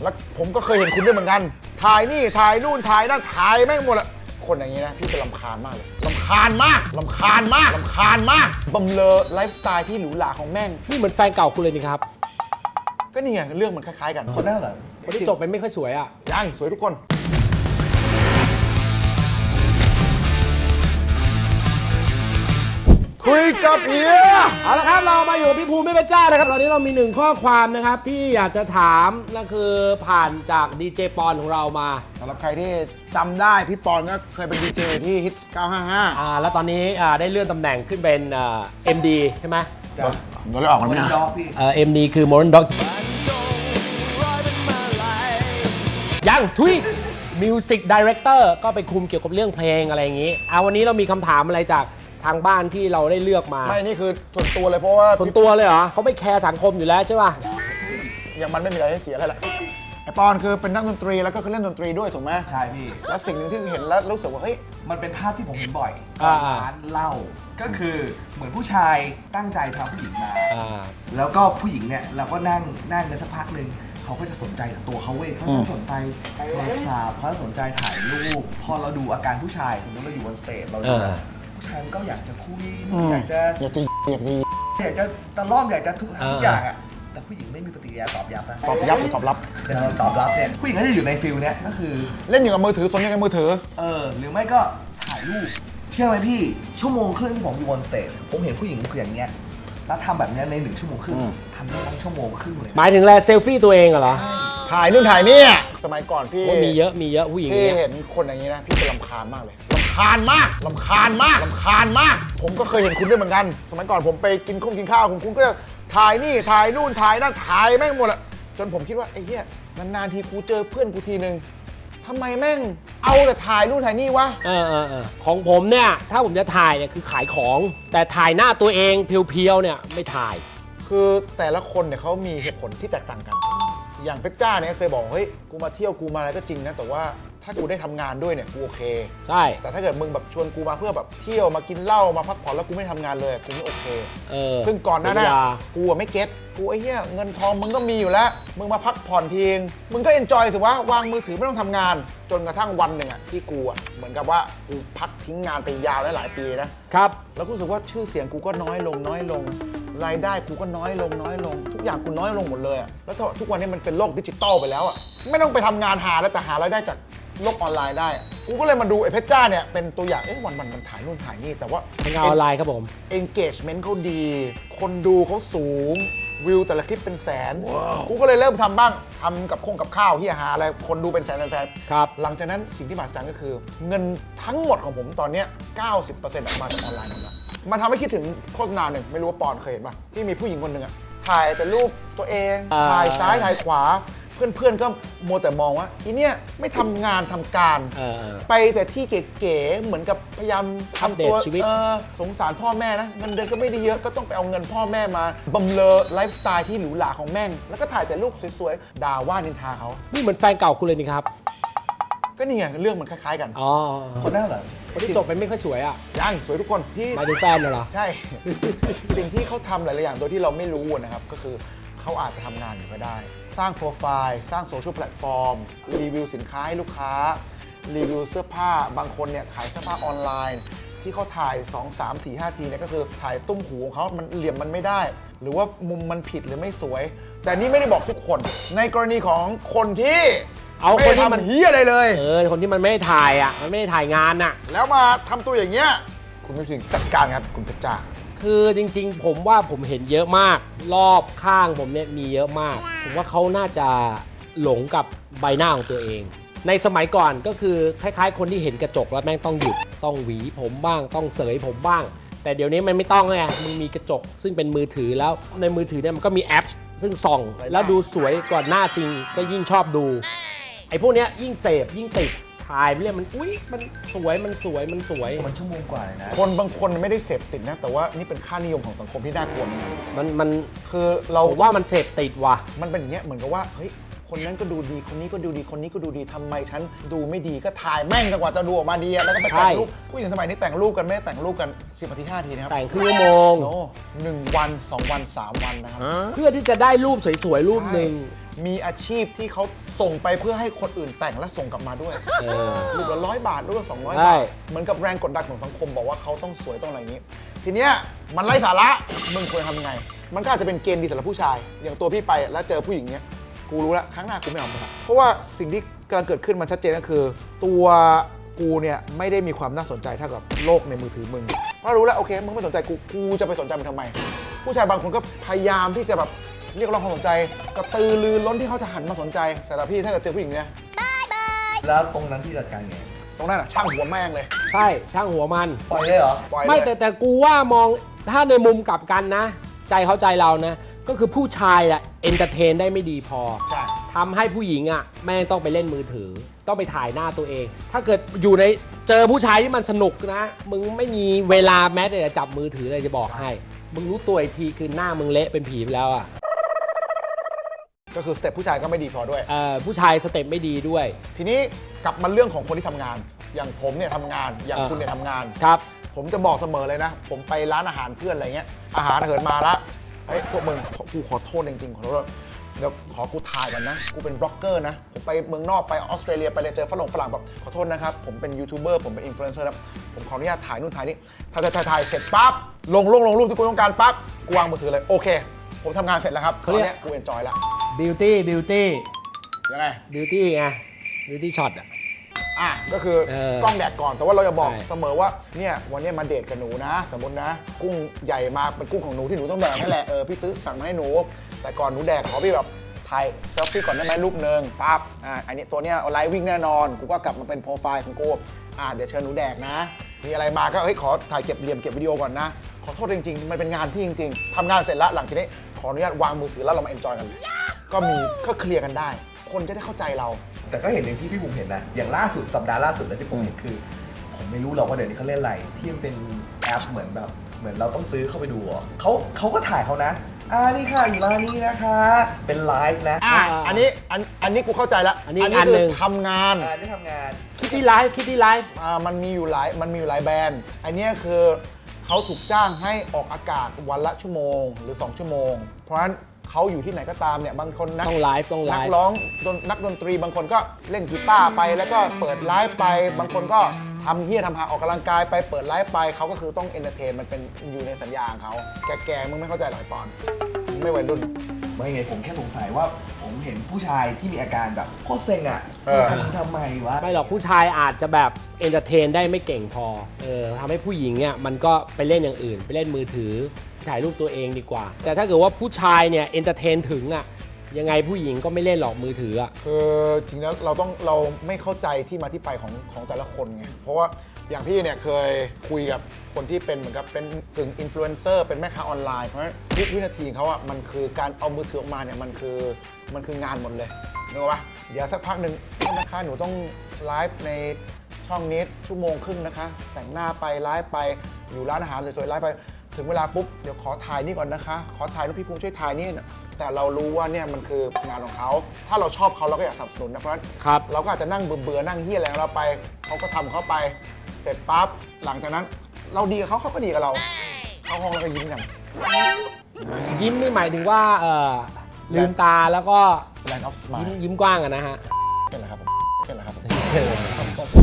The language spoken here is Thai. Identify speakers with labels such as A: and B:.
A: แล้วผมก็เคยเห็นคุณด้วยเหมือนกันถ่ายนี่ถ่ายนู่นถ่ายนั่นถ่ายแม่งหมดละคนอย่างนี้นะพี่จะรำคาญมากเลยรำคาญมากรำคาญมากรำคาญมากบำเรอไลฟ์สไตล์ที่หรูหราของแม่ง
B: นี่เหมือนแฟนเก่าคุณเลยนี่ครับ
A: ก็นี่ไงเรื่องมันคล้ายๆกันคนนั้นเหรอ
B: คนที่จบไปไม่ค่อยสวยอ่ะ
A: ยังสวยทุกคนคุยกับเฮีย
B: เอาละครับเรามาอยู่กับพี่ภูมิไม่เป็นเจ้านะครับตอนนี้เรามีหนึ่งข้อความนะครับที่อยากจะถามนั่นคือผ่านจากดีเจปอนของเรามา
A: สำหรับใครที่จำได้พี่ปอนก็เคยเป็นดีเจที่ฮิต955
B: แล้วตอนนี้ได้เลื่อนตำแหน่งขึ้นเป็นMD ใช่ไหม
A: โดนเลยออกกันไหมนะ
B: MD คือ Modern Dog ยังทุย Music Director ก็ไปคุมเกี่ยวกับเรื่องเพลงอะไรอย่างนี้วันนี้เรามีคำถามอะไรจากทางบ้านที่เราได้เลือกมา
A: ไม่นี่คือส่วนตัวเลยเพราะว่า
B: ส่วนตัวเลยเหรอเขาไม่แคร์สังคมอยู่แล้วใช่ป่ะ
A: อย่างมันไม่มีอะไรให้เสียแล้วแหละไอปอนคือเป็นนักดนตรีแล้วก็คือเล่นดนตรีด้วยถูกไหม
C: ใช่พี่
A: แล้วสิ่งหนึ่งที่เห็นแล้วรู้สึกว่าเฮ้ย
C: มันเป็นภาพที่ผมเห็นบ่อยร้านเหล้าก็คือเหมือนผู้ชายตั้งใจพาผู้หญิงมาแล้วก็ผู้หญิงเนี่ยเราก็นั่งกันสักพักหนึ่งเขาก็จะสนใจตัวเขาเว้ยเขาจะสนใจโทรศัพท์เขาจะสนใจถ่ายรูปพอเราดูอาการผู้ชายสมมติเราอยู่บนสเตจเราดูผู้ชายก็อยากจะคุยอยากจะตะล่อมอยากจะทุกอย่างอ่ะแต่ผู้หญิงไม่มีปฏิกิริยาตอบรับนะ
A: ตอบยับหรือตอบรับ
C: แต่เราตอบรับเนี่ยผู้หญิงก็จะอยู่ในฟิลเนี้ยก็คือ
A: เล่นอยู่กับมือถือสนใจกับมือถือ
C: หรือไม่ก็ถ่ายรูปเชื่อไหมพี่ชั่วโมงครึ่งที่ผมอยู่บนสเตจผมเห็นผู้หญิงอย่างเงี้ยแล้วทำแบบนี้ใน1 ชั่วโมงครึ่งทำได้ทั้งชั่วโมงครึ่งเลย
B: หมายถึงแลเซลฟี่ตัวเองเหรอ
A: ถ่ายนู่นถ่ายนี่สมัยก่อนพี่
B: มีเยอะผู้หญิง
A: พี่เห็นคนอย่างนี้นะพี่จะรำคาญมากเลยรำคาญมากผมก็เคยเห็นคุณด้วยเหมือนกันสมัยก่อนผมไปกินข้าวคุณก็จะถ่ายนี่ถ่ายนู่นถ่ายนั่นถ่ายแม่งหมดละจนผมคิดว่าไอ้เหี้ยนานๆทีกูเจอเพื่อนกูทีนึงทำไมแม่งเอาแต่ถ่ายนู่นถ่ายนี่วะ
B: ของผมเนี่ยถ้าผมจะถ่ายเนี่ยคือขายของแต่ถ่ายหน้าตัวเองเพียวๆเนี่ยไม่ถ่าย
A: คือแต่ละคนเนี่ยเขามีเหตุผลที่แตกต่างกันอย่างเพชรจ้าเนี่ยเคยบอกเฮ้ยกูมาเที่ยวกูมาอะไรก็จริงนะแต่ว่าถ้ากูได้ทำงานด้วยเนี่ยกูโอเค
B: ใช่
A: แต่ถ้าเกิดมึงแบบชวนกูมาเพื่อแบบเที่ยวมากินเหล้ามาพักผ่อนแล้วกูไม่ทำงานเลยกูไม่โอเคซึ่งก่อนหน้านั้นกูไม่เก็ตกูไอ้เหี้ยเงินทองมึงก็มีอยู่แล้วมึงมาพักผ่อนทีงมึงก็เอนจอยสิวะวางมือถือไม่ต้องทำงานจนกระทั่งวันหนึ่งที่กูเหมือนกับว่ากูพักทิ้งงานไปยาวหลายปีนะครับแล้วกูรู้สึกว่าชื่อเสียงกูก็น้อยลงรายได้กูก็น้อยลงทุกอย่างกูน้อยลงหมดเลยแล้วทุกวันนี้มันเป็นโลกดิจิตอลไปแล้วไม่ต้องไปทำงานหาแล้วแต่หารายได้จากโลกออนไลน์ได้กูก็เลยมาดูไอ้เพชรจ้าเนี่ยเป็นตัวอย่างวันมันถ่ายนู่นถ่ายนี่แต่ว่า
B: ทำงานออนไลน์ครับผม
A: engagement เขาดีคนดูเขาสูงวิวแต่ละคลิปเป็นแสนกูก็เลยเริ่มทำบ้างทำกับข้าวที่หาอะไรคนดูเป็นแสน
B: ครับ
A: หลังจากนั้นสิ่งที่มหัศจรรย์ก็คือเงินทั้งหมดของผมตอนนี้ 90% มาจากออนไลน์หมดแล้วมาทำให้คิดถึงโฆษณาหนึ่งไม่รู้ว่าปอนเคยเห็นป่ะที่มีผู้หญิงคนหนึ่งถ่ายแต่รูปตัวเองถ่ายซ้ายถ่ายขวาเพื่อนๆก็มัวแต่มองว่าอีเนี่ยไม่ทำงานทำการไปแต่ที่เก๋ๆเหมือนกับพยายามทำตัวสงสารพ่อแม่นะเงินเดือนก็ไม่ได้เยอะก็ต้องไปเอาเงินพ่อแม่มาบำเรอไลฟ์สไตล์ที่หรูหราของแม่งแล้วก็ถ่ายแต่รูปสวยๆด่าว่านินทาเขา
B: นี่เหมือนแฟนเก่าคุณเลยนี่ครับ
A: ก็นี่ไงเรื่องมันคล้ายๆกัน
C: คนนั้นเหรอ
B: คนที่จบไปไม่ค่อยสวยอ่ะ
A: ยังสวยทุกคนที่
B: หมายถึงแฟนเหรอ
A: ใช่ สิ่งที่เขาทำหลายๆอย่างโดยที่เราไม่รู้นะครับก็คือเขาอาจจะทำงานอยู่ก็ได้สร้างโปรไฟล์สร้างโซเชียลแพลตฟอร์มรีวิวสินค้าให้ลูกค้ารีวิวเสื้อผ้าบางคนเนี่ยขายเสื้อผ้าออนไลน์ที่เขาถ่าย2 3 4 5ทีเนี่ยก็คือถ่ายตุ้มหูของเขามันเหลี่ยมมันไม่ได้หรือว่ามุมมันผิดหรือไม่สวยแต่นี่ไม่ได้บอกทุกคนในกรณีของคนที่
B: เอาคนที่มัน
A: เฮียอะไรเลย
B: คนที่มันไม่ได้ถ่ายมันไม่ได้ถ่ายงาน
A: แล้วมาทำตัวอย่างเงี้ยคุณไม่ถึงจัดการครับคุณเพชรจ้า
B: คือจริงๆผมว่าผมเห็นเยอะมากรอบข้างผมเนี่ยมีเยอะมากผมว่าเขาน่าจะหลงกับใบหน้าของตัวเองในสมัยก่อนก็คือคล้ายๆคนที่เห็นกระจกแล้วแม่งต้องหยุดต้องหวีผมบ้างต้องเสยผมบ้างแต่เดี๋ยวนี้มันไม่ต้องไงมึงมีกระจกซึ่งเป็นมือถือแล้วในมือถือเนี่ยมันก็มีแอปซึ่งส่องแล้วดูสวยกว่าหน้าจริงก็ยิ่งชอบดูไอ้พวกเนี้ยยิ่งเสพยิ่งติดถ่ายไปเรื่อยมันมันสวยมัน
C: ชั่วโมงกว่าเลยนะ
A: คนบางคนไม่ได้เสพติดนะแต่ว่านี่เป็นค่านิยมของสังคมที่น่ากลัว
B: มัน
A: คือเรา
B: ว่ามันเสพติดว่ะ
A: มันเป็นอย่างเงี้ยเหมือนกับว่าเฮ้ยคนนั้นก็ดูดีคนนี้ก็ดูดีคนนี้ก็ดูดีทำไมฉันดูไม่ดีก็ถ่ายแม่งจนกว่าจะดูออกมาดีแล้วก็ไปแต่งรูปผู้หญิงสมัยนี้แต่งรูปกันไม่ได้แต่งรูปกัน10 นาที 5 นาทีนะครับ
B: แต่งครึ่งชั่วโมง
A: 1 วัน 2 วัน 3 วันนะครับ
B: เพื่อที่จะได้รูปสวยๆรูปหนึ่ง
A: มีอาชีพที่เขาส่งไปเพื่อให้คนอื่นแต่งและส่งกลับมาด้วยรูปละ100 บาทรูปละ200 บาทเหมือนกับแรงกดดันของสังคมบอกว่าเขาต้องสวยต้องอะไรอย่างนี้ ทีเนี้ยมันไร้สาระมึงควรทำยังไงมันก็อาจจะเป็นเกณฑ์ดีสำหรับผู้ชายอย่างตัวพี่ไปแล้วเจอผู้หญิงเนี้ยกูรู้แล้วครั้งหน้ากูไม่เอามันเพราะว่าสิ่งที่กำลังเกิดขึ้นมันชัดเจนก็คือตัวกูเนี่ยไม่ได้มีความน่าสนใจเท่ากับโลกในมือถือมึงเพราะรู้แล้วโอเคมึงไม่สนใจกูจะไปสนใจมึงทำไมผู้ชายบางคนก็พยายามที่จะแบบเรียกร้องความสนใจกระตือรือร้นที่เขาจะหันมาสนใจแต่ละพี่ถ้าเกิดเจอผู้หญิงเนี่ย
C: แล้วตรงนั้นที่จัดการไง
A: ตรงนั้นอ่ะช่างหัวแม่งเลย
B: ใช่ช่างหัวมัน
C: ปล่อยเลยเหรอ
A: ปล่อย
B: ไม่แต่กูว่ามองถ้าในมุมกลับกันนะใจเขาใจเรานะก็คือผู้ชายอะเอนเตอร์เทนได้ไม่ดีพอ
A: ใช่
B: ทำให้ผู้หญิงอะแม่งต้องไปเล่นมือถือต้องไปถ่ายหน้าตัวเอง ถ้าเกิดอยู่ในเจอผู้ชายที่มันสนุกนะมึงไม่มีเวลาแม้แต่จะจับมือถือเลยจะบอกให้มึงรู้ตัวอีกทีคือหน้ามึงเละเป็นผีไปแล้วอะ
A: ก็คือสเต็ปผู้ชายก็ไม่ดีพอด้วย
B: ผู้ชายสเต็ปไม่ดีด้วย
A: ทีนี้กลับมาเรื่องของคนที่ทำงานอย่างผมเนี่ยทำงานอย่างคุณเนี่ยทำงาน
B: ครับ
A: ผมจะบอกเสมอเลยนะผมไปร้านอาหารเพื่อนอะไรเงี้ยอาหารเหินมาละเฮ้ยพวกมึงกูขอโทษจริงๆขอโทษเดี๋ยวขอกูถ่ายก่อนนะกูเป็นบล็อกเกอร์นะผมไปเมืองนอกไปออสเตรเลียไปเลยเจอฝรั่งแบบขอโทษนะครับผมเป็นยูทูบเบอร์ผมเป็นอินฟลูเอนเซอร์นะผมขออนุญาตถ่ายนู่นถ่ายนี่ถ่ายเสร็จปั๊บลงรูปที่กูต้องการปั๊บกูวางมือถือเลยโอเคผมทำงานเสร็จแล้วครับตอนนี้กูเอนจอยแล้ว
B: บิวตี้
A: ยังไง
B: บิวตี้ไงบิวตี้ช็อต
A: ก็คือกล้องแดดก่อนแต่ว่าเราจะบอกเสมอว่าเนี่ยวันนี้มาเดทกับหนูนะสมมตินะกุ้งใหญ่มาเป็นกุ้งของหนูที่หนูต้องแดกนั่นแหละพี่ซื้อสั่งมาให้หนูแต่ก่อนหนูแดกขอพี่แบบถ่ายเซลฟี่ก่อนได้ไหมรูปนึงปั๊บอันนี้ตัวเนี้ยไลฟ์วิ่งแน่นอนกูก็กลับมาเป็นโปรไฟล์ของกูเดี๋ยวเชิญหนูแดกนะมีอะไรมาก็ขอถ่ายเก็บเหลี่ยมเก็บวิดีโอก่อนนะขอโทษจริงๆมันเป็นงานพี่จริงๆทำงานเสร็จแล้วหลังจากนี้ขออนุญาตวางมือถือแล้วเรามาเอนจอยกันก็เคลียร์กันได้คนจะได้เข้าใจเรา
C: แต่ก็เห็นอย่างที่พี่บุ๋มเห็นนะอย่างล่าสุดสัปดาห์ล่าสุดที่ผมเห็นคือผมไม่รู้หรอกว่าเดี๋ยวนี้เขาเล่นอะไรที่มันเป็นแอปเหมือนเราต้องซื้อเข้าไปดูเขาก็ถ่ายเขานะนี่ค่ะอยู่ร้านนี้นะคะเป็นไลฟ์นะ
A: อันนี้กูเข้าใจแล้ว
B: อันนี้
A: คือทำงาน
C: นี่ทำงาน
B: คิดที่ไลฟ์
A: มันมีอยู่หลายแบรนด์อันนี้คือเขาถูกจ้างให้ออกอากาศวันละชั่วโมงหรือ2 ชั่วโมงเพราะฉะนั้นเขาอยู่ที่ไหนก็ตามเนี่ยบางคน
B: ต้องไลฟ์
A: นักร้องนักดนตรีบางคนก็เล่นกีตาร์ไปแล้วก็เปิดไลฟ์ไปบางคนก็ทำหาออกกำลังกายไปเปิดไลฟ์ไปเขาก็คือต้องเอนเตอร์เทนมันเป็นอยู่ในสัญญาของเขาแก่มึงไม่เข้าใจหรอกปอนไม่วัยรุ่น
C: ไม่ไงผมแค่สงสัยว่าผมเห็นผู้ชายที่มีอาการแบบโคตรเซ็งทำไมวะ
B: ไม่หรอกผู้ชายอาจจะแบบเอนเตอร์เทนได้ไม่เก่งพอทำให้ผู้หญิงเนี่ยมันก็ไปเล่นอย่างอื่นไปเล่นมือถือถ่ายรูปตัวเองดีกว่าแต่ถ้าเกิดว่าผู้ชายเนี่ยเอนเตอร์เทนถึงยังไงผู้หญิงก็ไม่เล่นหรอกมือถือ
A: คือจริงแล้วเราไม่เข้าใจที่มาที่ไปของแต่ละคนไงเพราะว่าอย่างพี่เนี่ยเคยคุยกับคนที่เป็นเหมือนกับเป็นกึ่งอินฟลูเอนเซอร์เป็นแม่ค้าออนไลน์เพราะฉะนั้นทุกวินาทีเขามันคือการเอามือถือออกมาเนี่ยมันคืองานหมดเลยนึกว่าเดี๋ยวสักพักหนึ่งนะคะหนูต้องไลฟ์ในช่องนี้1.5 ชั่วโมงนะคะแต่งหน้าไปไลฟ์ไปอยู่ร้านอาหารสวยๆไลฟ์ไปถึงเวลาปุ๊บเดี๋ยวขอถ่ายนี่ก่อนนะคะขอถ่ายรูปพี่ภูมิช่วยถ่ายนี่แต่เรารู้ว่าเนี่ยมันคืองานของเขาถ้าเราชอบเขาเราก็อยากสนับสนุนนะเพราะฉะนั้นเราก็อาจจะนั่งเบื่อนั่งเฮี้ยอะไรของเราไปเขาก็ทำเขาไปเสร็จปั๊บหลังจากนั้นเราดีกับเขาก็ดีกับเราเข้าห้องแล้วก็ยิ้มกัน
B: ยิ้มนี่หมายถึงว่าลืมตาแล้วก็
A: Land of Smile
B: ยิ้มกว้างนะฮะ
A: เป็นไรครับผม